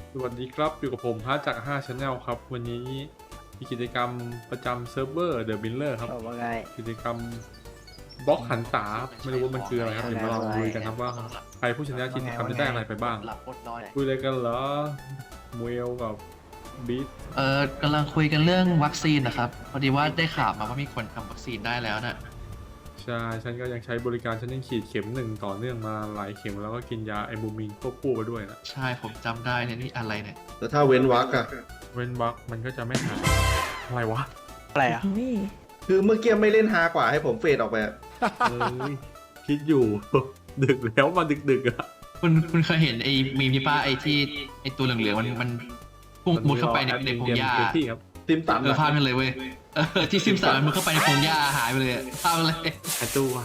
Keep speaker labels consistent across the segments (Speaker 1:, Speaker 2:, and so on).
Speaker 1: สวัสดีครับอยู่กับผมฮะจาก5 Channel ครับวันนี้มีกิจกรรมประจำเซิร์ฟเวอร์ The Miller ครับกิจกรรมบล็อกหันษาไม่รู้ว่ามันคืออะไรครับเดี๋ยวมาลองดูกันครับว่าใครผู้ชนะกิจกรรมจะได้อะไรไปบ้างคุยอะไรกันเหรอมวยกับบีท
Speaker 2: กำลังคุยกันเรื่องวัคซีนนะครับพอดีว่าได้ข่าวมาว่ามีคนทำวัคซีนได้แล้วนะ
Speaker 1: ใช่ฉันก็ยังใช้บริการฉันยังฉีดเข็ม1ต่อเนื่องมาหลายเข็มแล้วก็กินยาไอบูมินควบคู่ไปด้วยนะ
Speaker 2: ใช่ผมจำได้เนี่ยนี่อะไรเนี่ย
Speaker 3: แล้วถ้าเว้นวรรคอะ
Speaker 1: เว้นวรรคมันก็จะไม่หายอะไรวะ
Speaker 4: อะไรอ่ะ
Speaker 3: คือเมื่อกี้ไม่เล่นฮากว่าให้ผมเฟดออกไป
Speaker 1: คิดอยู่ ดึกแล้วมาดึกๆอะ
Speaker 2: คุณเคยเห็นไอ้มีมที่ป้าไอ้ที่ไอ้ตัวเหลืองๆมันพุ่งมุดเข้าไปในพงหญ้า
Speaker 3: ติมตัน
Speaker 2: ภาพนั่นเลยเว้ยที่ซิมสันมันมุดเข้าไปในพงหญ้าหายไปเลยภาพเลย
Speaker 1: หายตัว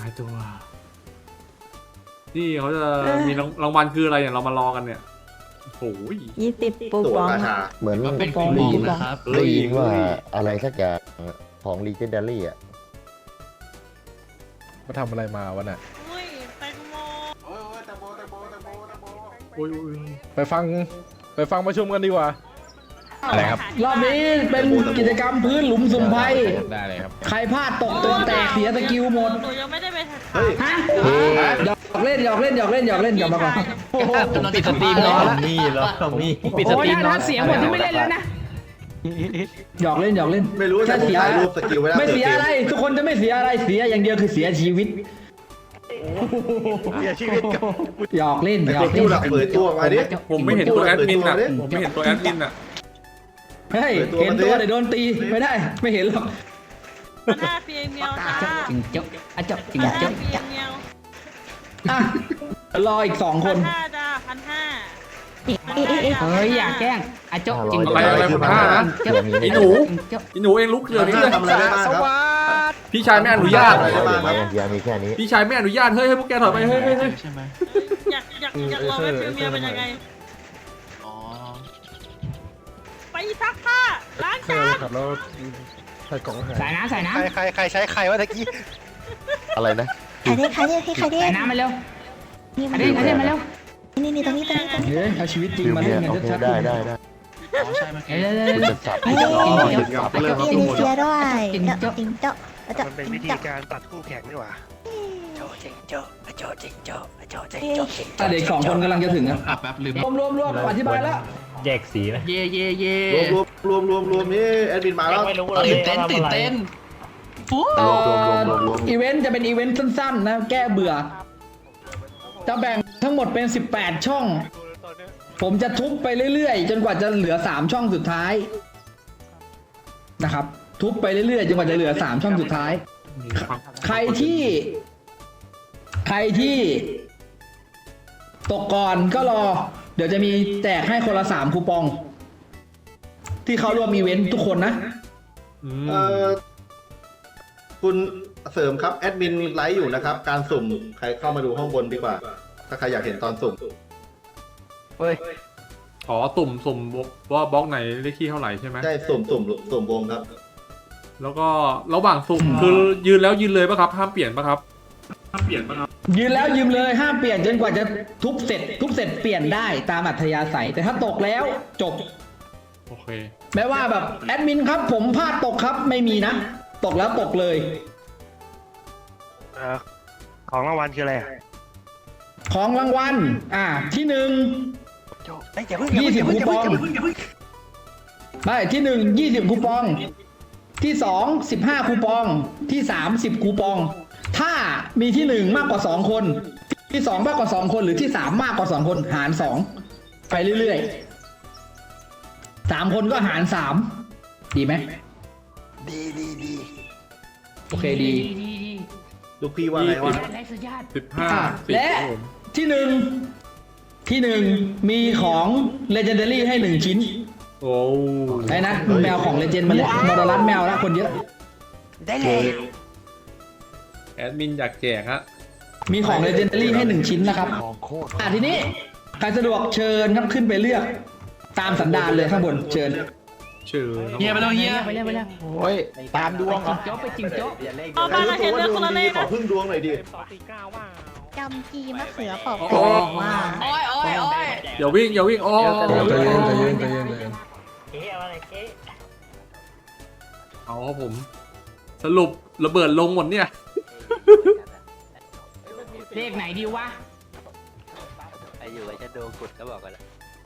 Speaker 1: นี่เขาจะมีรางวัลคืออะไรเนี่ยเรามารอกันเนี่ยโอ้ย
Speaker 4: 20ปูบอง
Speaker 5: เหมือน
Speaker 2: เป็นคูปองนะครับ
Speaker 5: ได้ยินว่าอะไรสักอย่างของ Legendary อ่ะ
Speaker 6: มาทำอะไรมาวะน่ะไปฟังประชุมกันดีกว่าอะไรครับ
Speaker 4: รอบนี้เป็นกิจกรรมพื้นหลุมสุ่มไพ่
Speaker 6: ได้เลยครับ
Speaker 4: ใครพลาดตกตัวแตกเสียสกิลหมด
Speaker 7: หนูยังไม่ได้ไป
Speaker 4: ฮะหยอกเล่นกลับมาก่อน
Speaker 2: ผมปิดสตรีมแล้ว
Speaker 4: นี่เหรอมีปิดสตรีมแล้วเสียหมดที่ไม่เล่นแล้วนะหยอกเล่น
Speaker 3: ไม่รู้จะเสียรูปสกิล
Speaker 4: ไม่เสียอะไรทุกคนจะไม่เสียอะไรเสียอย่างเดียวคือเสียชีวิตหยอกเล่น
Speaker 3: เปิดตัวมาดิ
Speaker 1: ผมไม่เห็นตัวแอดมินอ่ะ
Speaker 4: เฮ้ยเห็นตัวเดี๋ยวโดนตีไม่ได้ไม่เห็นหรอก
Speaker 7: 1,500เพียงเดียวจ้า
Speaker 4: จริงเจ้าจริงเจ้า
Speaker 7: เพียงเดียว
Speaker 4: รออีก2 คน
Speaker 7: 1,500จ้า1,500
Speaker 4: เฮ้ยอย่าแกล้งอาจ๊กจริง
Speaker 1: อะไร1,500นะไอ้หนูเองลุกเรือนี่เลย
Speaker 3: ทำอะไรได้บ้างครับ
Speaker 1: พี่ชายไม่อนุญาต
Speaker 5: มีแค่นี้
Speaker 1: พี่ชายไม่อนุญาตเฮ้ยให้พวกแกถอยไปเฮ้ย
Speaker 2: ใช่ไหม
Speaker 7: อยากลองให้ฟิลเมียเป็นยังไง
Speaker 2: อ๋อ
Speaker 7: ไปซักผ้าล้างจาน
Speaker 6: ครับแล้วใส่กล่อง
Speaker 4: ใส่น้ำ
Speaker 6: ใครใช้ใครวะตะกี้
Speaker 5: อะไรนะ
Speaker 8: ใครเรียก
Speaker 4: ใส่น้ำมาเร็วใครเรียกมาเร็ว
Speaker 8: นี่ตรงนี้
Speaker 4: เอาชีวิตจริงมาเล่นกันชัด
Speaker 5: ๆได้
Speaker 2: อ๋อใช่ไหม
Speaker 8: เรียนเสียด้วยจริงเจ้า
Speaker 6: มันเป็นวิธีการตัดคู่แข่งนี่หว่า
Speaker 4: เด็ก2 คนกำลังจะถึงอ่ะ
Speaker 2: แป๊บลืม
Speaker 4: รวมอธิบายแล้ว
Speaker 6: แยกสีนะ
Speaker 2: เย่
Speaker 3: รวมนี่แอดมินมาแล้ว
Speaker 2: ตื่นเต้น
Speaker 4: อีเวนต์จะเป็นอีเวนต์สั้นๆนะแก้เบื่อจะแบ่งทั้งหมดเป็น18 ช่องผมจะทุบไปเรื่อยๆจนกว่าจะเหลือ3 ช่องสุดท้ายนะครับทุบไปเรื่อยๆจนกว่าจะเหลือ3 ช่องสุดท้ายใครที่ตกก่อนก็รอเดี๋ยวจะมีแจกให้คนละ3 คูปองที่เขาร่วมอีเวนต์ทุกคนนะ
Speaker 3: คุณเสริมครับแอดมินไลฟ์อยู่นะครับการสุ่มใครเข้ามาดูห้องบนดีกว่าถ้าใครอยากเห็นตอนสุ่ม
Speaker 1: อ๋อสุ่มว่าบล็อกไหนเลขที่เท่าไหร่ใช่ไหม
Speaker 3: ใช่สุ่มวงครับ
Speaker 1: แล้วก็ระหว่างสุ่มคือยืนแล้วยืนเลยป่ะครับห้ามเปลี่ยนป่ะครับ
Speaker 4: ยืนแล้วยืนเลยห้ามเปลี่ยนจนกว่าจะทุบเสร็จเปลี่ยนได้ตามอัธยาศัยแต่ถ้าตกแล้วจบ
Speaker 1: โอเค
Speaker 4: แม้ว่าแบบแอดมินครับผมพลาดตกครับไม่มีนะตกแล้วตกเลย
Speaker 6: ของรางวัลคืออะไร
Speaker 4: ของรางวัลที่1 20 คูปองไม่ที่1 20 คูปองที่2 15 คูปองที่3 10 คูปองถ้ามีที่1มากกว่า2 คนที่2มากกว่า2 คนหรือที่3มากกว่า2 คนหาร2ไปเรื่อยๆ3 คนก็หาร3ดีไหม
Speaker 6: ดี
Speaker 4: โอเคดี
Speaker 3: ลูกพี่ว่าไงวะ
Speaker 1: 15
Speaker 4: และที่1มีของ Legendary ให้1 ชิ้น
Speaker 1: โอ้
Speaker 4: ไอ้นะแมวของ Legend มาเลยมอดรัสแมวแล้วคนเยอะ
Speaker 8: ได้เลย
Speaker 1: แอดมินอยากแจกฮะ
Speaker 4: มีของ Legendary ให้1 ชิ้นนะครับทีนี้ใครสะดวกเชิญครับขึ้นไปเลือกตามสันดานเลยข้างบนเชิญ
Speaker 2: เฮียไปแล้ว
Speaker 4: โอ้ยตามดวงเหรอ
Speaker 7: เอามาเห็นเรื่องคนละเลข
Speaker 3: ขอพึ่งดวงหน่อยดิ
Speaker 8: จำจีมะเขือเปอก
Speaker 1: โอ้
Speaker 8: แป
Speaker 1: โห
Speaker 8: ลกว่า
Speaker 2: โอ้ยโอ้ยโอ้ย
Speaker 1: อย่าวิ่งอย่าวิ่งโอ้
Speaker 6: ใจเย็นใจเย็นใจเย็นใจเย็น
Speaker 1: เอาครับผม สรุประเบิดลงหมดเนี่ย
Speaker 7: เลขไหนดีวะ
Speaker 9: ไอ้อยู่ไอ้จะโดนกุดก็บอกกันแล้ว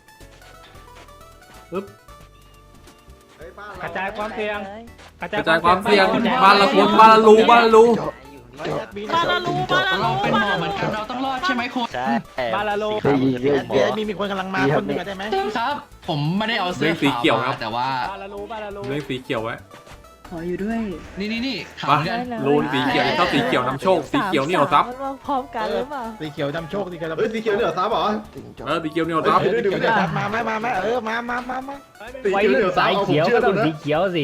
Speaker 1: ปึ๊บ
Speaker 7: กระจายความเสี่ยง
Speaker 1: กระจายความเสี่ยงบ้านละคนบ้านละรูบ้านละรู
Speaker 7: บ้านละรูบ้านละ
Speaker 2: เรา
Speaker 7: รู
Speaker 2: เป็นหมอเหมือนกันเราต้องรอดใช่ไหมคุณ
Speaker 9: ใช่
Speaker 7: บ้านละรู
Speaker 9: มีคนกำลังมาคนหนึ่งได้ไหม
Speaker 2: ครับ ผมไม่ได้เอาเสื้
Speaker 1: เรื่
Speaker 2: อ
Speaker 1: องสี
Speaker 2: ขาว
Speaker 1: เขียวค
Speaker 2: มา
Speaker 1: รับ
Speaker 2: แต่ว่า
Speaker 7: บ้านละรูบ้านละรู
Speaker 1: เรื่องสีเขียวไว้
Speaker 2: นี่ขาว
Speaker 1: มา
Speaker 2: เหมือนกัน
Speaker 1: รูนสีเขียวชอบสีเขียวนำโชค สีเขียวเหนี่ยวซับ
Speaker 8: พร้อมกันหรือเปล่า
Speaker 3: สีเขียวจำโชคสีเขียวเฮ้ยสีเขียวเนี่ยซับเหรอ
Speaker 1: สีเขียวเหนี่ยวซับ
Speaker 3: เดี๋ยวเดี๋ยว
Speaker 9: มาไหมมาไหมมา
Speaker 3: สีเขียวเนี่ยซับเอาผมเชื่อคุณนะ
Speaker 7: สิ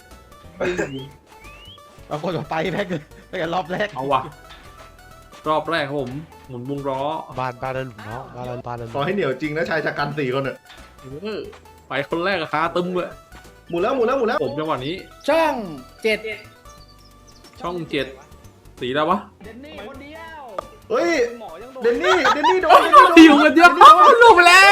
Speaker 3: เอาคนต่อไปแพ็กไปกันรอบแรก
Speaker 1: เอาว่ะ รอบแรกครับผม หมุนวงล้อ
Speaker 9: บ้านละหลุมเนาะบ้านละ
Speaker 3: ขอให้เหนียวจริงนะชายชะกัน4 คนเนี่ย
Speaker 1: ไปคนแรกอะคาตึมเลย
Speaker 3: หมุนแล้ว
Speaker 1: ผมจังหวะนี้
Speaker 4: ช่องเจ็ด
Speaker 1: ช่อง7สีอะไรวะ
Speaker 7: เดนนี่คนเดียว
Speaker 3: เฮ้ย
Speaker 7: หมอยังโดน
Speaker 3: เดนนี่โดน
Speaker 1: อยู่กันเยอะลูกไปแล้ว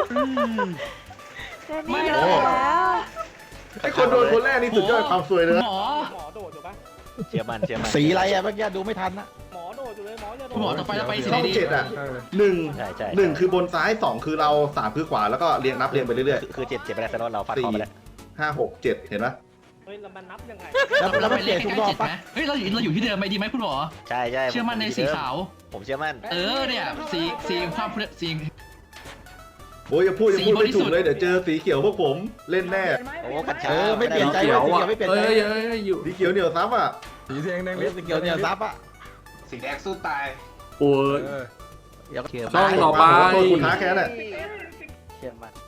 Speaker 8: นี่โดนแล้ว
Speaker 3: ไอ้คนโดนคนแรกนี่สุดยอดความสวยเลย
Speaker 2: หมอ
Speaker 7: หมอโดดอยู่ปะ
Speaker 9: เชื่อมัน
Speaker 3: สีอะไรอะเมื่อกี้ดูไม่ทันนะ
Speaker 7: หมอโดดอยู่เลยหมอจะโดด
Speaker 2: หมอต่อไปเราไปสี
Speaker 3: ช่อง
Speaker 2: ดี
Speaker 3: 7อะ
Speaker 9: ใช่ใช่
Speaker 3: 1คือบนซ้าย2คือเรา3คือขวาแล้วก็เรียงนับเรียงไปเรื่อย
Speaker 9: คือเจ็บไปแล้วแต่เราฟาดคอไปแล้ว
Speaker 3: ๆ5 6 7เห็นไหม
Speaker 7: เฮ้ยแล้วมันนับยังไง
Speaker 2: เราไปเลขใกล้ๆ7ไหมเฮ้ยเราอยู่ที่เดิมไหมดีไหมคุณหมอ
Speaker 9: ใช่ใช่
Speaker 2: เชื่อมั่นในสีขาว
Speaker 9: ผมเชื่อมั่น
Speaker 2: เนี่ยสีความสี
Speaker 3: โอ้ยอย่าพูดไม่ถูกเลยเดี๋ยวเจอสีเขียวพวกผมเล่นแน่
Speaker 9: โอ้กัญชา
Speaker 3: ไม่เปลี่ยนใจ
Speaker 1: เขียวอ่ะ
Speaker 3: ไม่เปลี่ยน
Speaker 1: เอ้
Speaker 3: ใจ
Speaker 1: ยอยู่
Speaker 3: สีเขียวเหนียวซับอ่ะ
Speaker 6: สีแดงแดง
Speaker 3: สีเขียวเหนียวซับอ่ะ
Speaker 10: สีแดงสู้ตาย
Speaker 1: โอ้ย
Speaker 9: เชื่อ
Speaker 1: ช่องต่อไป
Speaker 3: โทษคุณท้าแค่นั้น
Speaker 9: เชื่อมั่น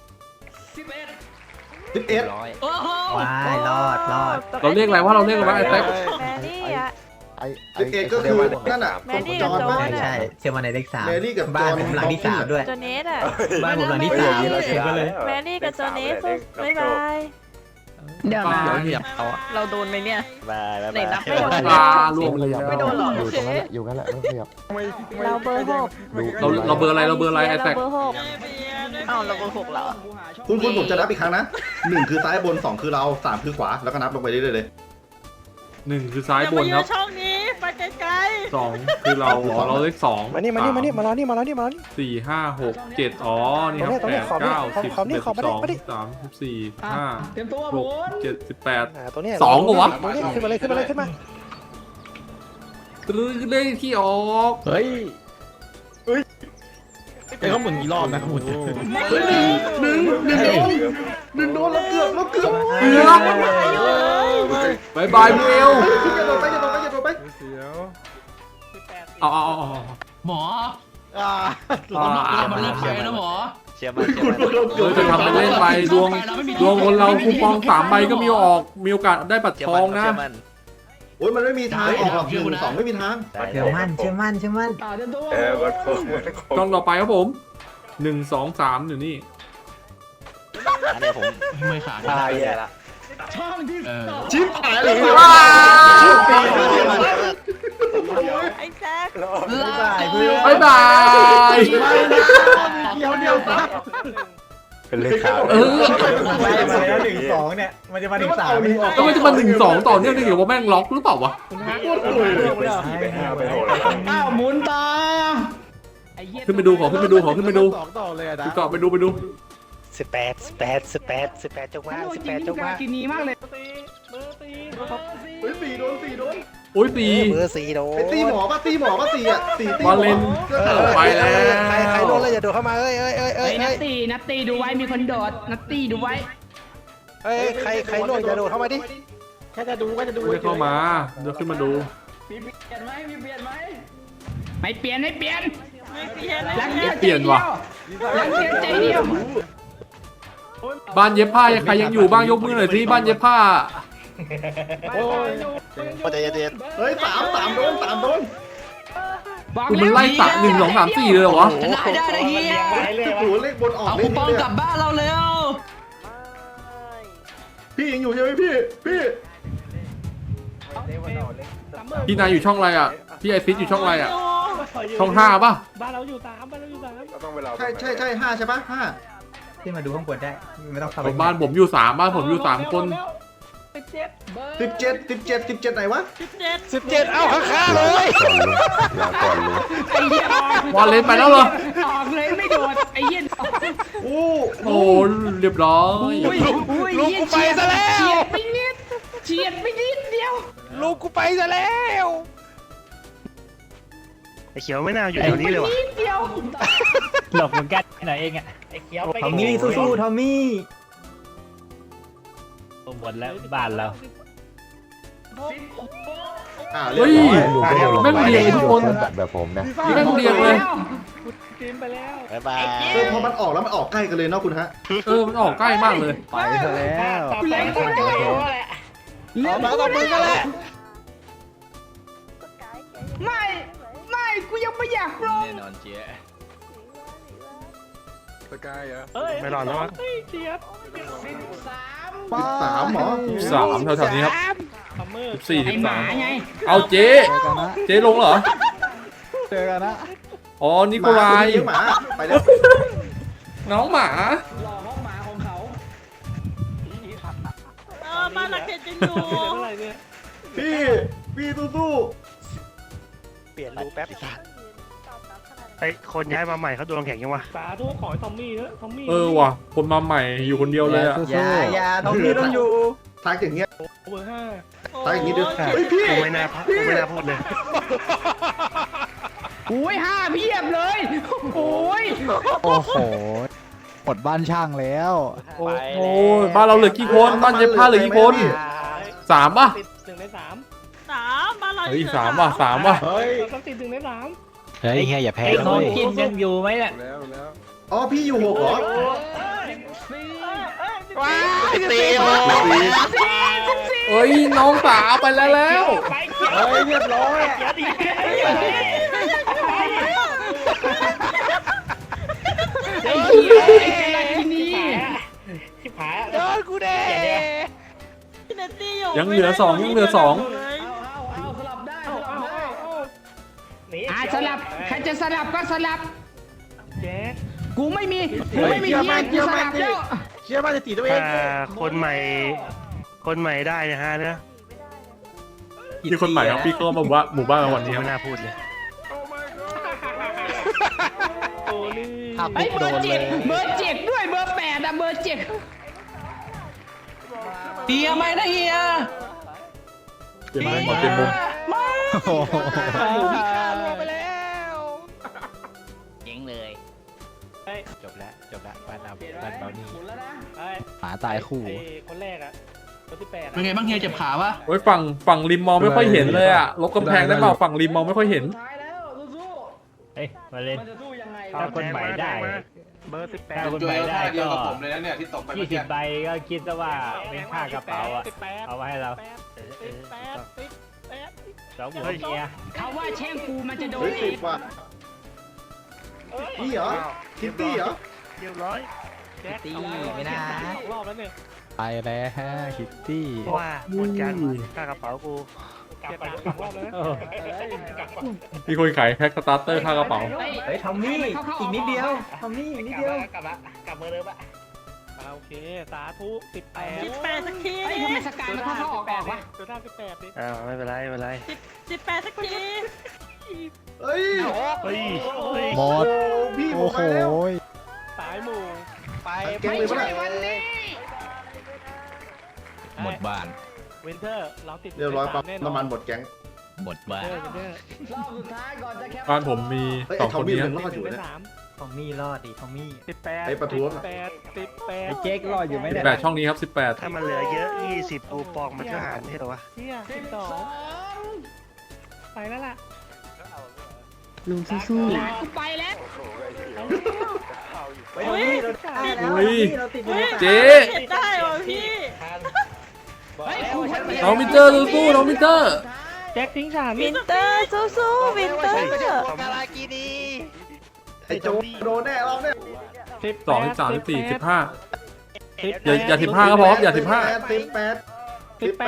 Speaker 3: 11
Speaker 9: ร้อย
Speaker 2: โอ้โห
Speaker 9: ว้ายรอด
Speaker 1: เราเรียกอะไรว่าเราเรียกอะไรวะไอ้แท็ก
Speaker 8: แมรี่อะ
Speaker 3: 11ก็คือนั่นอ่ะ
Speaker 8: แมรี่กับโจนอะ
Speaker 9: เชื่อมั่นในเลข3
Speaker 3: แมรี่กับจ
Speaker 9: บ้าน
Speaker 3: อห์น
Speaker 9: ผมหลังที่3ด้วย
Speaker 8: โจเนสอะ
Speaker 9: บ้านผมหลังที่3เราเชื่อกันเลย
Speaker 8: แมรี่กับโจเนสบ๊ายบาย
Speaker 7: เดี๋ยวนะ
Speaker 3: เหยียบเอา
Speaker 7: เราโดนไหมเนี่ย
Speaker 9: บาย
Speaker 7: ไหนนับไม่โดน
Speaker 1: ปลารวมเลย
Speaker 7: ไม่โดนหรอ
Speaker 5: อยู่ตรงนั้นแหละอยู่งั้นแหละไม่ขยับ
Speaker 8: เราเบอร์ 6
Speaker 1: เราเบอร์อะไรเราเบอร์อะไรไอ้แท็ก
Speaker 8: เบอร์
Speaker 7: อ้าวเราเบอร์6เหรอ
Speaker 3: คุณผมจะนับอีกครั้งนะ1คือซ้ายบน2คือเรา3คือขวาแล้วก็นับลงไปเรื่อยๆเลย
Speaker 1: 1คือซ้ายบนครับ
Speaker 7: ช่องนี้ไปไกล
Speaker 1: 2คือเราเลข2
Speaker 9: มานี่มารอนี่มารอนี่
Speaker 1: 4 5 6 7อ๋อนี่ครับ8 9 10 11 12 13 14
Speaker 4: เตรียมตัวหมุน
Speaker 1: 15 16 17
Speaker 9: ตัวนี้
Speaker 1: 18 2ปะวะ
Speaker 9: ขึ้นมาเลย
Speaker 1: ตรึ้งเลขที่ออก
Speaker 3: เฮ้ยไอ้เขาหมุนกี่รอบนะหมุนเฮ้ยหนึ่งโดนแล้วเกือบ
Speaker 1: เกือบบายบายเมล
Speaker 3: อย่าโดนไป
Speaker 6: เสียว
Speaker 1: เอา
Speaker 2: หมอ
Speaker 3: อ่า
Speaker 2: เรามาเลิกไปนะหมอ
Speaker 9: เชื่อมั่น
Speaker 1: จะทำเป็นเล่นไปดวงคนเราคูปอง3 ใบก็มีออกมีโอกาสได้บัตรทองนะ
Speaker 3: โอ้ยมันไม่มีทางออกหรอก1 2ไม่มีทาง
Speaker 9: เชื่อมั่น
Speaker 4: เตรียมตัว
Speaker 1: ช่องต่อไปครับผม1 2 3อยู่นี่
Speaker 9: อันนี้ผม
Speaker 2: ไม่ขาด
Speaker 9: ตายละ
Speaker 4: ช่องที่
Speaker 3: ชิบหายเลย
Speaker 8: ไอ้แจ๊ค
Speaker 1: บายบาย
Speaker 3: เดียวซับ
Speaker 9: เป็นเลขขาว
Speaker 3: มาแล้ว1 2เนี่ยมันจะมาถึง3ไม่ออก
Speaker 1: ก็มันจะมา1 2ต่อเนื่องได้หรือว่าแม่งล็อกหรือเปล่าวะ
Speaker 4: อ้าวหมุนต่อ
Speaker 1: ขึ้นไปดูขอขึ้นไปดู
Speaker 3: ต่อเลยอ่ะ
Speaker 1: ไปดู
Speaker 9: 18จังหวะ18จังหวะ
Speaker 7: กินนี้มากเลย
Speaker 3: เฮ้ย4โดน
Speaker 1: โอ้ยตี
Speaker 9: เบอร์4โดน
Speaker 3: ไอ้ตีหมอป่ะ4อ่ะ4ตี
Speaker 1: วาเลนไปแล้ว
Speaker 9: ใครโดนเลยอย่าโดดเข้ามาเอ้ย
Speaker 7: นัตตีดูไว้มีคนโดดนัตตีดูไว้
Speaker 9: ใครโดนอย่าโดดเข้ามาดิ
Speaker 3: แค่จะดูก็จะดู
Speaker 1: ไม่เข้ามาเดี๋ยวขึ้นมาดู
Speaker 7: ไม่เปลี่ยนรัก
Speaker 1: เปลี่ยนว่ะ
Speaker 7: รักเดียวใจเดียว
Speaker 1: บ้านเย็บผ้าใครยังอยู่บ้างยกมือหน่อยสิบ้านเย็บผ้า
Speaker 9: พอใจเย็น
Speaker 3: เฮ้ย3โดน
Speaker 1: กูมันไล่ตัด1 2 3 4เลยเหรอวะ
Speaker 2: ได้เฮีย
Speaker 3: โอ้โหเลขบนออก
Speaker 2: เอา
Speaker 3: เล
Speaker 2: คู
Speaker 3: ข
Speaker 2: ปอง
Speaker 3: นี้
Speaker 2: กลับบ้านเราเร็ว
Speaker 3: พี่ยังอยู่ใช่ไหมพี่
Speaker 1: พี่นายอยู่ช่องอะไรอ่ะพี่ไอซิสอยู่ช่องอะไรอ่ะช่อง5ป่ะ
Speaker 7: บ้านเราอยู่3บ้านเราอยู่3
Speaker 10: เราต้องไปรอ
Speaker 3: ใช่ห้าใช่ปะห้า
Speaker 4: ที่มาดูข้างบนได้ไม่ต้องเข้า
Speaker 1: บ้านผมอยู่3บ้านผมอยู่3คน
Speaker 3: 17ไหนวะ
Speaker 7: 17
Speaker 6: เอาข้างๆเลย
Speaker 5: ลาก่อนลุง
Speaker 4: ไอ้เหี้ยว
Speaker 1: อลเลนไปแล้วเหรอ
Speaker 4: ออกเลยไม่โดดไอ้เหี้ย
Speaker 3: โอ้
Speaker 1: โอ้เรียบร้อย
Speaker 6: ลูกกูไปซะแล้ว
Speaker 4: เฉียดไปนิดเดียว
Speaker 6: ลูกกูไปซะแล้ว
Speaker 9: ไอ้เขียวไม่น่าอยู่แถวนี้เลยว่ะ
Speaker 4: นิดเดียว
Speaker 7: หลบเหมือนกันไหนเองอ่ะไอ้เขียวไป
Speaker 4: ทอมมี่สู้ๆทอมมี่
Speaker 7: หมดแล้วบ้านเรา
Speaker 3: เรียบร้อย
Speaker 5: ลุงไม่ได้ลง
Speaker 1: แม่งเรียงทุกคน
Speaker 5: แบบผมนะ
Speaker 1: แม่งเรียงเลย
Speaker 7: กินไปแล้ว
Speaker 9: บ๊ายบาย
Speaker 3: พอมันออกแล้วมันออกใกล้กันเลยเนาะคุณฮะ
Speaker 1: มันออกใกล้มากเลย
Speaker 6: ไปซะแล้ว
Speaker 4: แรงกูได้เรื่อง
Speaker 6: มาต่อมือกันแหละ
Speaker 4: ไม่กูยังไม่อยากลง
Speaker 9: แน่นอนเจ๊
Speaker 6: สกายเหรอ
Speaker 9: ไม่รอดแล้วมั้ง
Speaker 7: เจี๊ยบ
Speaker 3: 13หมอ
Speaker 1: 3แถวๆนี้ครับ
Speaker 7: ซัมเมอร์
Speaker 1: 14
Speaker 4: ไอ้หมาไง
Speaker 1: 13เอาเจ๊
Speaker 6: เจอกันนะ
Speaker 1: เจ๊ลงเหรอ
Speaker 6: เจอกันนะ
Speaker 1: อ๋อนิโคลาย
Speaker 3: หมาไปแล้ว
Speaker 1: น้องหมา
Speaker 4: หลอกห้องหมาของเขา
Speaker 7: บ้านเราเข็ดจะอยู่อะไรเนี่ย
Speaker 3: พี่สู้
Speaker 9: เปลี่ยนรูปแป๊บไอ้คนย้ายมาใหม่เขาโดนแข่งยังวะ
Speaker 7: สาธุขอให้ทอมมี่เถอะทอมมี่
Speaker 1: ว่ะคนมาใหม่อยู่คนเดียวเลยอะ
Speaker 4: อย่าทอมมี่ต้องอยู่
Speaker 3: ๆทักอย่างเงี้ย
Speaker 7: เบอร์5
Speaker 3: ทักอย่างงี้ด้วยเฮ้ยพี่
Speaker 9: กูไม่น่าพูดเลย
Speaker 4: โอ้ย5เพียบเลยโอ้ย
Speaker 6: โอ้โหหมดบ้านช่างแล้ว
Speaker 1: โอ้ยบ้านเราเหลือกี่คนบ้านเย็บผ้าเหลือกี่คน3ป่ะ
Speaker 7: ติด1 ใน 3บ้านเรา
Speaker 1: เฮ้ย3ว่ะ3ว่ะ
Speaker 3: เฮ้ย
Speaker 7: เราต้องติด1 ใน 3
Speaker 9: เฮ้ยเฮียอย่าแพ้
Speaker 7: ไอ้
Speaker 9: เล
Speaker 7: ของ
Speaker 9: ย
Speaker 7: กินยังอยู่ไหมเนี่ย
Speaker 6: แล้วแล้ว
Speaker 3: อ๋อพี่อยู่6เหรอ
Speaker 6: ว้าย
Speaker 9: ตีโอ
Speaker 1: เอ้ยน้องสาวไปแล้วแล้ว
Speaker 7: ไปเขียว
Speaker 6: เฮ้ยเรียบร้อย
Speaker 7: เขียวดี
Speaker 4: ไอ้เหี้ยไอ้เจลาตินี
Speaker 7: ชิบหาย
Speaker 6: โดนกูแน่
Speaker 1: ยังเหลือ2ยังเหลือ2
Speaker 4: เอาสลับได้สลับใครจะสลับก็สลับ
Speaker 7: แจ๊ค
Speaker 4: กูไม่มีเฮียกูสลับแล้ว
Speaker 3: เชื่อบ้านจะตีตัวเอง
Speaker 9: คนใหม่ได้นะฮะนะ
Speaker 1: มีคนใหม่ครับพี่ก็มาว่าหมู่บ้านเราวันนี้ครับ
Speaker 9: ไม่น่าพูดเลย
Speaker 7: โอ้นี่
Speaker 4: ไอ้เบอร์7ด้วยเบอร์8อะเบอร์7เฮียไม่นะเฮีย
Speaker 1: เจ็บมุมเจ็บมุม
Speaker 6: โอ้โห
Speaker 7: ไปแล้ว
Speaker 9: เจ๋งเลยจบแล้วบ้านเรานี่
Speaker 6: หมาตายคู่
Speaker 7: คนแรกอ่ะคนที่8
Speaker 2: เป็นไงบ้างเฮียเจ็บขาปะ
Speaker 1: โอ้ยฝั่งริมมองไม่ค่อยเห็นเลยอะลบกำแพงได้เปล่าฝั่งริมมองไม่ค่อยเห็น
Speaker 4: ท้ายแล้วสู้
Speaker 7: เฮ้ยมาเล่น
Speaker 4: มันจะสู้ยังไง
Speaker 7: ถ้าคนใหม่ได้
Speaker 9: เบอร์
Speaker 7: ถ้าคนใหม่ได้
Speaker 10: เดียว
Speaker 7: ก็
Speaker 10: กับผมเลยนะเนี่ยที่ตกไปเมื่อกี้
Speaker 7: 20 ใบก็คิดซะว่าเป็นค่ากระเป๋าอ่ะเอาไว้ให้เรา2 หัวเมีย
Speaker 4: เขาว่าแช่งกูมันจะโดน
Speaker 3: เฮ้ย
Speaker 4: อี
Speaker 3: 10
Speaker 4: ก
Speaker 3: ว่ะนี่เหรอคิตตี้เหรอ
Speaker 9: เรียบร้อย
Speaker 7: ตีไม่น่ารอบแล้วเนี่ย
Speaker 6: ไปแล้วคิตตี้
Speaker 9: ว่าหมดกันค่ากระเป๋ากู
Speaker 7: กลับรอบแล้วนะ
Speaker 1: มีคนขายแพ็คสตาร์เตอร์ค่ากระเป๋า
Speaker 4: เฮ้ยทอมมี่อีกนิดเดียวทอมมี่อีกนิดเดียว
Speaker 7: กลับเบอร์เดิมอะโอเคสาธุ18สักที
Speaker 4: เฮ้ยทำไมสกายมันเข้าออกวะ
Speaker 7: ตัวท่า18ดิ
Speaker 9: ไม่เป็นไร
Speaker 7: 18สักที
Speaker 3: เฮ้ย
Speaker 6: หมด
Speaker 3: พี่ผ
Speaker 6: โอ้
Speaker 3: ม
Speaker 6: โห
Speaker 3: มาแล้ว
Speaker 7: สายหมู่ไป
Speaker 3: เก่งเลยปะเนี่ย
Speaker 4: วันนี้
Speaker 2: หมดบ้าน
Speaker 7: วินเทอร์เราติด
Speaker 3: เรียบร้อยปั๊บน้ำมันหมดแก๊ง
Speaker 2: หมดบ้าน
Speaker 7: วินเทอร์
Speaker 4: รอบสุดท้ายก่อนจะแคป
Speaker 1: บ้านผมมี
Speaker 3: เฮ้ย
Speaker 1: สอง
Speaker 3: ไอ้ทอ
Speaker 1: ค
Speaker 3: ม
Speaker 1: น
Speaker 3: มี่
Speaker 1: นี้
Speaker 3: มันรอดอยู่
Speaker 7: เป็น
Speaker 3: นะ
Speaker 4: ทอมมี่รอดดิทอมมี่
Speaker 7: 18
Speaker 3: ไอ้ประท้วง
Speaker 7: 18
Speaker 4: ไอ้เจ๊กรอดอยู่ไหมเนี่ย
Speaker 1: 18ช่องนี้ครับ18
Speaker 9: ถ้ามันเหลือเยอะ20คูปองมันก็หารไม่ใช่หรอวะ
Speaker 7: เที่ย12ไปแล้วล่ะ
Speaker 8: ลุงสู้
Speaker 4: หลานกูไปแล้ว
Speaker 7: เฮ้ย
Speaker 1: เฮ้ยเจ๊
Speaker 7: ได้ว่ะพี่
Speaker 4: เฮ้ยกูคนเดียว
Speaker 1: น้องมิเตอร์สู้ๆน้องมิเตอร์
Speaker 7: แจ็คทิ้งฉัน
Speaker 8: วินเตอร์สู้ๆวินเตอร์
Speaker 3: ไอ้โจโดนแน่รอบเนี่ย
Speaker 1: 2 13 14 15อย่า15ก็พออย่า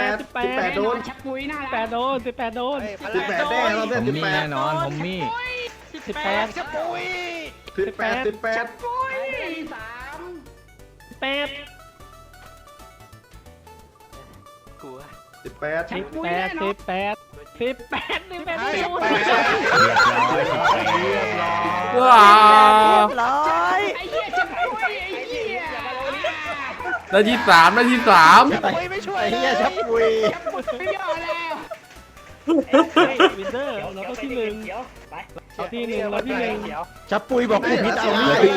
Speaker 3: 18โดน
Speaker 4: ชักปุยน่ารัก
Speaker 7: 18 โดน 18 โดน
Speaker 3: 18แน่รอบเนี่ย
Speaker 6: ทอมมี่แน่นอนทอมมี่
Speaker 7: 18
Speaker 3: 18
Speaker 1: ว้า
Speaker 8: ร้อย
Speaker 1: ได้ที่สามได้ที่สาม
Speaker 3: ไอ้เหี้ยชับปุย
Speaker 7: วินเตอร์เราต้องที่หนึ่งเราที่หนึ่งเราที่หนึ่ง
Speaker 3: ชับปุยบอกกูผิดเอา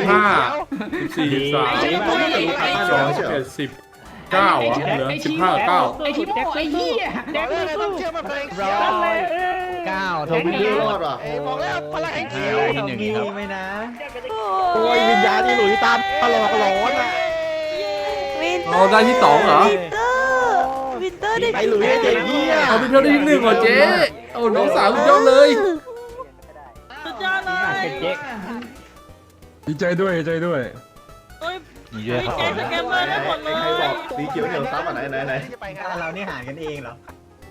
Speaker 1: 15 14 13 12 11 19อ่ะเหลือ15 9
Speaker 7: ไอ้ที่บอกไอ้เหี้ยแจ็คต้องเชื่อมันเพลง9
Speaker 3: ทำไม่รอดว่ะ
Speaker 9: บอกแล้วพลังแห่งเขียว
Speaker 2: ที่หนึ่งครับ
Speaker 3: โอ้ยวิญญาณที่หลุยตามตลอดหลอนอ่ะ
Speaker 8: วินเตอ
Speaker 1: เรา
Speaker 8: ร์
Speaker 1: ได้ที่สองเหรอ
Speaker 8: วินเตอร์ได้
Speaker 3: ไอ้หลุยไอ้เด็กเหี้ย
Speaker 1: เอาพี่เพียวได้ที่หนึ่งเหรอเจ๊โอ้น้องสาวสุดยอดเลย
Speaker 8: สุดยอดเลย
Speaker 6: ดีใจด้วยดีใจด้วย
Speaker 2: มีด้วยครับ
Speaker 8: แกสแกมเมอร์ได้หมดเลย
Speaker 3: ใครบอกสีเขียวเหนียวซ้ำอ่ะไหน
Speaker 9: เรานี่หารกันเองเหรอ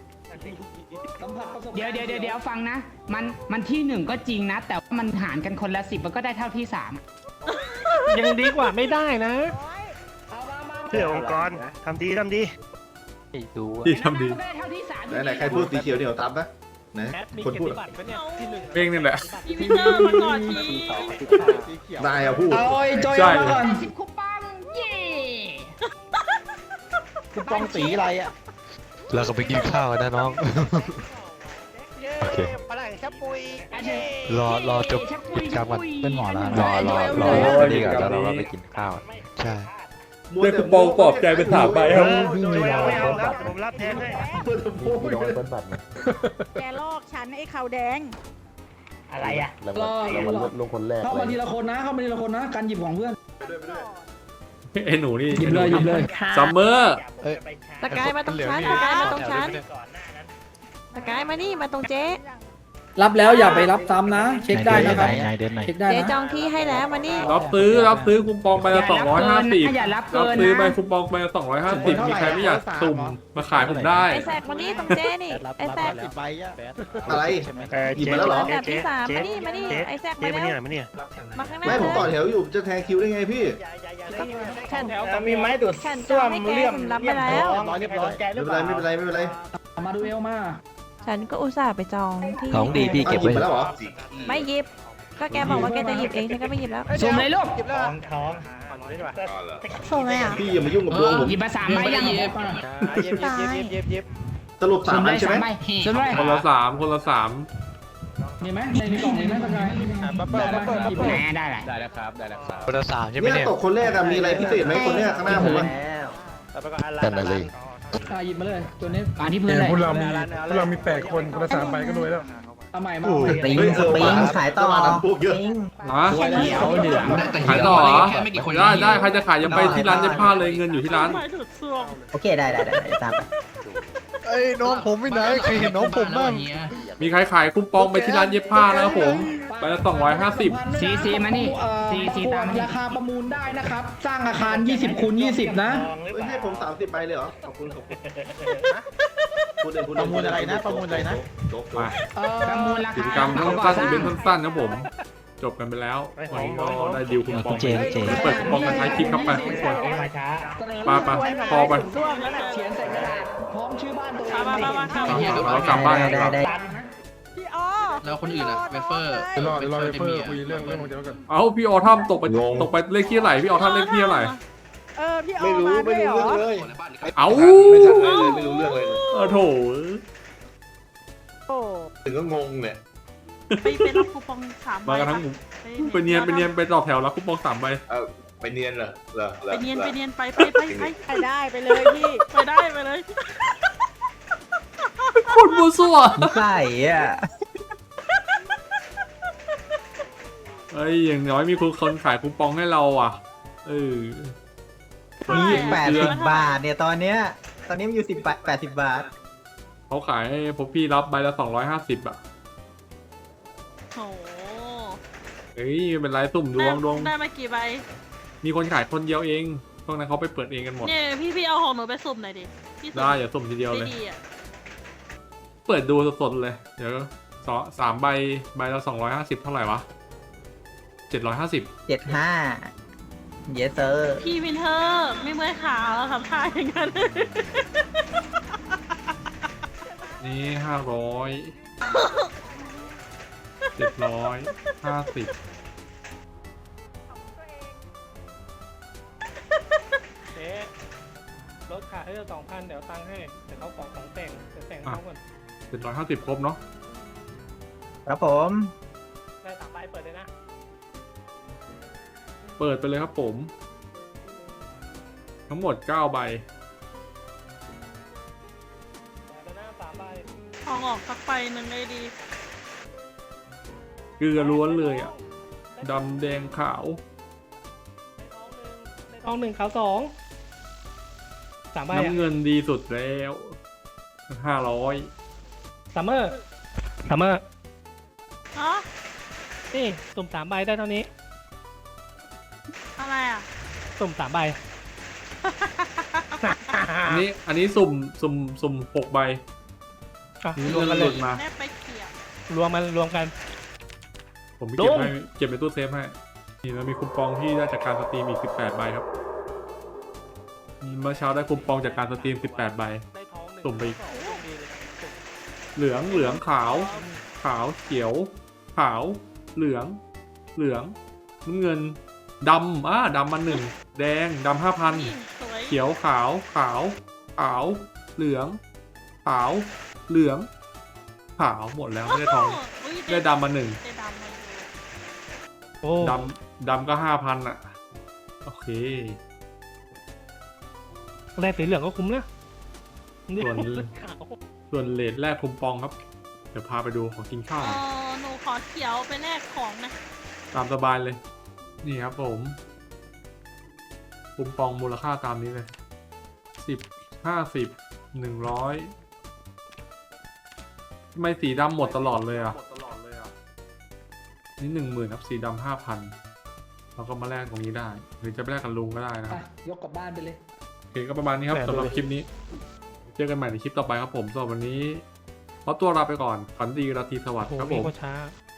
Speaker 4: เดี๋ยวฟังนะ มันที่หนึ่งก็จริงนะ แต่ว่ามันหารกันคนละ10มันก็ได้เท่าที่3
Speaker 7: ยังดีกว่าไม่ได้นะ
Speaker 9: เพื่อองค์กรทำดี
Speaker 1: ที่ทำดี
Speaker 4: ได้เท่าที่3
Speaker 3: ไหนใครพูดสีเขียวเหนียวซ้ำนะไหน
Speaker 7: แอดมี
Speaker 3: คน
Speaker 7: เกีย
Speaker 3: พู
Speaker 7: ร
Speaker 3: ด
Speaker 7: ติบัตรปะเนี่ยที่หนึ่ง
Speaker 1: เพลงนี่แหละ
Speaker 8: วินเตอร์มาก่อนที
Speaker 3: นายอะพูด
Speaker 4: เอาไอ้จอย
Speaker 1: ใช่
Speaker 4: มาก่อน10คูปองเย่
Speaker 3: คูปองสีอะไรอ่ะ
Speaker 10: เราก็ไปกินข้าวนะน้อง โอเค
Speaker 9: พลังแห่งชับปุย
Speaker 10: รอจบกิจกรรมก่อน
Speaker 4: เป็นหมอแล้ว
Speaker 10: รอดีกว่าแล้วเราก็ไปกินข้าว ใช่
Speaker 1: ได้คูปองปลอบใจเป็น3ใบครับ
Speaker 9: ไม่เอาครับผมรับแทนด้วย
Speaker 5: พี่น้องเปิ้ลบัตรนะ
Speaker 8: แกลอกฉันไอ้ขาวแดง
Speaker 9: อะไรอ่ะ
Speaker 5: แล้วมันลงคนแรก
Speaker 4: เข้า
Speaker 5: เล
Speaker 4: มาย ทีละคนนะการหยิบของเพื่อน
Speaker 1: ไอ้หนูนี่
Speaker 4: หยิบเลย
Speaker 1: ซัมเมอร์
Speaker 8: สกายมาตรงฉันสกายมาตรงฉันสกายมานี่มาตรงเจ๊
Speaker 4: รับแล้วอย่าไปรับซ้ำนะ เช็คได้นะครับเช็คได้
Speaker 8: เจ๊
Speaker 4: นะ
Speaker 8: จองที่ให้แล้วมานี่
Speaker 1: รับซื้อคูปองไปละ250
Speaker 4: อย่ารับ
Speaker 1: รับ
Speaker 4: เกิน
Speaker 1: ซื้อไป
Speaker 4: นะ
Speaker 1: คูปองไปละ250มีใครไม่อยากสุ่มมาขายผมได้
Speaker 8: ไอ้แซกมานี่ตรงเจ๊นี่ไอ้แซก
Speaker 3: อะไรหยิบมาแล้วเหรอ
Speaker 8: ลำดับที่3มานี่ไอ้แซก
Speaker 9: เจ๊
Speaker 8: มา
Speaker 9: มา
Speaker 8: แล้
Speaker 9: เนี่ยว มาเนี่ย
Speaker 8: มาข้างหน้า
Speaker 3: ไม่ผมต่อแถวอยู่จะแทงคิวได้ไงพี่
Speaker 8: ฉัน
Speaker 9: มีไม้ดูด
Speaker 8: ฉันจองให้แกผมรับไปแล้ว
Speaker 9: เรียบร้อย
Speaker 3: ไม่เป็นไร
Speaker 4: มาดูเอลมา
Speaker 8: ฉันก็อุตส่าห์ไปจองที่
Speaker 10: ของดีพี่
Speaker 3: เอา
Speaker 10: เก็บ
Speaker 3: หยิบ
Speaker 10: ไว้
Speaker 3: มาแล้วเหรอ
Speaker 8: ไม่หยิบ ก็แกบอกว่าแกจะหยิบเองฉันก็ไม่หยิบแล้ว
Speaker 4: สุ่มเลยลูก
Speaker 9: ท้อง
Speaker 8: ส่งเลยอ่ะ
Speaker 3: พี่อย่ามายุ่งกับดวงผม
Speaker 4: หยิบมา3ใบยัง
Speaker 8: ตาย
Speaker 3: สรุป3อันใช่ไหม
Speaker 4: สุ่มเลย
Speaker 1: คนละ 3
Speaker 4: มีไหมในกล่องมีไหมสกายได้แหละ
Speaker 10: คนละ3ใช่ไหม
Speaker 3: เนี่ย
Speaker 10: เนี่ย
Speaker 3: ตกคนแรกอะมีอะไรพิเศษไหมคนเนี้ยข้างหน้าผมอะ
Speaker 5: นั่นน่ะสิ
Speaker 4: หยิบมาเลยตัวนี้อ่านที่พื้นเลย
Speaker 6: พวกเรามี8คนคนละ3ใบก็รวยแล้ว
Speaker 4: เอาใหม่มา
Speaker 3: เฮ้ยขายต่อพวกเยอะ
Speaker 1: ฮะ
Speaker 4: เขียวเหลือง
Speaker 2: แต่
Speaker 1: ขายต่อเหรอ
Speaker 2: แค่ไม่กี่คน
Speaker 1: ได้ใครจะขายยังไปที่ร้านเย็บผ้าเลยเงินอยู่ที่ร้าน
Speaker 9: โอเคได้ตามไป
Speaker 10: เอ้ยน้องผมไม่ไหนเคยเห็นน้องผมบ้าง
Speaker 1: มีใครขายคูปองไปที่ร้านเย็บผ้านะครับผมไปละ250
Speaker 4: ซีมานี่ซีตามราคาประมูลได้นะครับ สร้างอาคาร20คูณ20นะ
Speaker 3: ให้ผม30ใบเลยเหรอขอบคุณประมูลอะไรนะประมูลอะไรนะ
Speaker 1: มา
Speaker 4: ประมูลรา
Speaker 1: กิ
Speaker 4: คา
Speaker 1: จกรรมสั้นๆอีเวนต์สั้นๆนะผมจบกันไปแล้ววันนี้ก็ได้ดีลคูปองเปิดคูปองกันท้ายคลิปครับไปทุกคนไปพอไป
Speaker 4: เขียนใส่กระดาษพร้อมชื่อบ้านตัวเอง
Speaker 1: เรากลับบ้านกันครับ
Speaker 8: พี่อ๋อ
Speaker 2: แล้วคนอื่นอะเวเฟอร์
Speaker 6: เดี๋ยวรอเฟอร์คุยเรื่องของเจ้ากัน
Speaker 1: เอาพี่ออทัมตกไปเลขที่ไหนพี่ออทัมเลขที่ไหน
Speaker 8: พี่อ๋อมาด้วยเหรอ
Speaker 1: เอา
Speaker 3: ไม่รู้เรื่องเลย
Speaker 1: โถ
Speaker 3: ถึงก็งงเนี่ย
Speaker 8: ไปรับคูปอง3
Speaker 1: มากันทั้งหมู่ไปเนียนไปต่อแถวแล้วคูปอง3 ใบ
Speaker 3: ไปเนียนเหรอ
Speaker 8: ไปเนียนไปได้ไปเลยพี่ไปได้ไปเลย
Speaker 1: คนมัวซั่ว
Speaker 9: ใส่อ่ะ
Speaker 1: เอ้ยอย่างน้อยมีคนขายคูปองให้เราอ่ะ
Speaker 9: มี80 บาทเนี่ยตอนนี้มันอยู่80 บาท
Speaker 1: เขาขายให้พวกพี่รับใบละ250อ่ะ
Speaker 8: โอ้
Speaker 1: เฮ้ยเป็นไรสุ่มดวง
Speaker 8: ได้มากี่ใบ
Speaker 1: มีคนขายคนเดียวเองพวกนั้นเขาไปเปิดเองกันหมด
Speaker 8: เนี่ยพี่เอาของหนูไปสุ่มหน่อยดิ
Speaker 1: ได้อย่าสุ่มทีเดียวเลย
Speaker 8: ดีอ่ะ
Speaker 1: เปิดดูสดๆเลยเดี๋ยว 3 ใบละ250เท่าไหร่วะ750
Speaker 4: 75 yes sir
Speaker 8: พี่วินเทอร์ไม่เมื่อยขาแล้วทำท่าอย่างนั้น
Speaker 1: นี่500 750
Speaker 7: เจ๊รถขายให้เรา2,000เดี๋ยวตังค์ให้แต่เขาของแต่งเดี๋ยวแต่งให้เขาก่อน
Speaker 1: 750ครบเนาะ
Speaker 4: ครับผม
Speaker 7: ได้3 ใบเปิดเลยนะ
Speaker 1: เปิดไปเลยครับผม ทั้งหมด9 ใบ
Speaker 7: เปิดแล้วนะ3 ใบ
Speaker 8: ทองออกสักใบหนึ่งเลยดี
Speaker 1: เกลือล้วนเลยอ่ะดำแดงขาว
Speaker 7: ทอง1ขาว2 3 ใบ
Speaker 1: น้ำเงินดีสุดแล้ว500
Speaker 7: ซัมเมอร์
Speaker 8: อ๋อ
Speaker 7: นี่สุ่ม3 ใบได้เท่านี้
Speaker 8: อะไรอ่ะ
Speaker 7: สุ่ม3 ใบ
Speaker 1: อันนี้สุ่ม6 ใบ
Speaker 7: อ่ะ
Speaker 1: นี่
Speaker 7: รวมกัน
Speaker 1: ห
Speaker 7: เล
Speaker 1: ลุ
Speaker 7: ย
Speaker 1: ดมา
Speaker 8: แม่ไปเขียบ
Speaker 7: รวมกัน
Speaker 1: ผมไป
Speaker 7: ดุ้
Speaker 1: เก็บ
Speaker 7: ง
Speaker 1: ให้เก็บในตู้เซฟให้นี่แล้วมีคูปองที่ได้จากการสตรีมอีก18 ใบครับเมื่อเช้าได้คูปองจากการสตรีม18 ใบ
Speaker 7: ได้ทอง1
Speaker 1: สุ่มไปอีก
Speaker 7: 2ดีเลย
Speaker 1: เหลืองขาวเขียวขาวเหลืองน้ำเงินดำดำมา1แดงดำ
Speaker 8: นี่
Speaker 1: 5,000
Speaker 8: สวย
Speaker 1: เขียวขาวเหลืองขาวหมดแล้วไม่ได้ทอง
Speaker 8: อุ๊ย
Speaker 1: ได้ดำมา1
Speaker 8: ได้ดำมาอยู่
Speaker 7: โอ้
Speaker 1: ดำก็5,000อ่ะโอเค
Speaker 7: แรกสีเหลืองก็คุ้มนะ
Speaker 1: ส่วน
Speaker 7: ขาว
Speaker 1: ส่วนเลทแรกคูปองครับ เดี๋ยวพาไปดูของกินข้าว
Speaker 8: หนูขอเขียวไปแลกของนะ
Speaker 1: ตามสบายเลย นี่ครับผมคูปองมูลค่าตามนี้เลย10 50 100ทำไมสีดำหมดตลอดเลยอ่ะนี่10,000ครับสีดำ5,000เราก็มาแลกตรงนี้ได้ หรือจะไปแลกกับลุงก็ได้นะครับ
Speaker 4: ยกกลับบ้านไปเลย
Speaker 1: โอเคก็ประมาณนี้ครับสำหรับคลิปนี้ เจอกันใหม่ในคลิปต่อไปครับผมสำหรับวันนี้ขอตัวลาไปก่อนฝันดีราตรีสวัสดิ์
Speaker 7: โอ้
Speaker 1: ครับ
Speaker 7: โห
Speaker 1: ผม
Speaker 7: ก็ช้า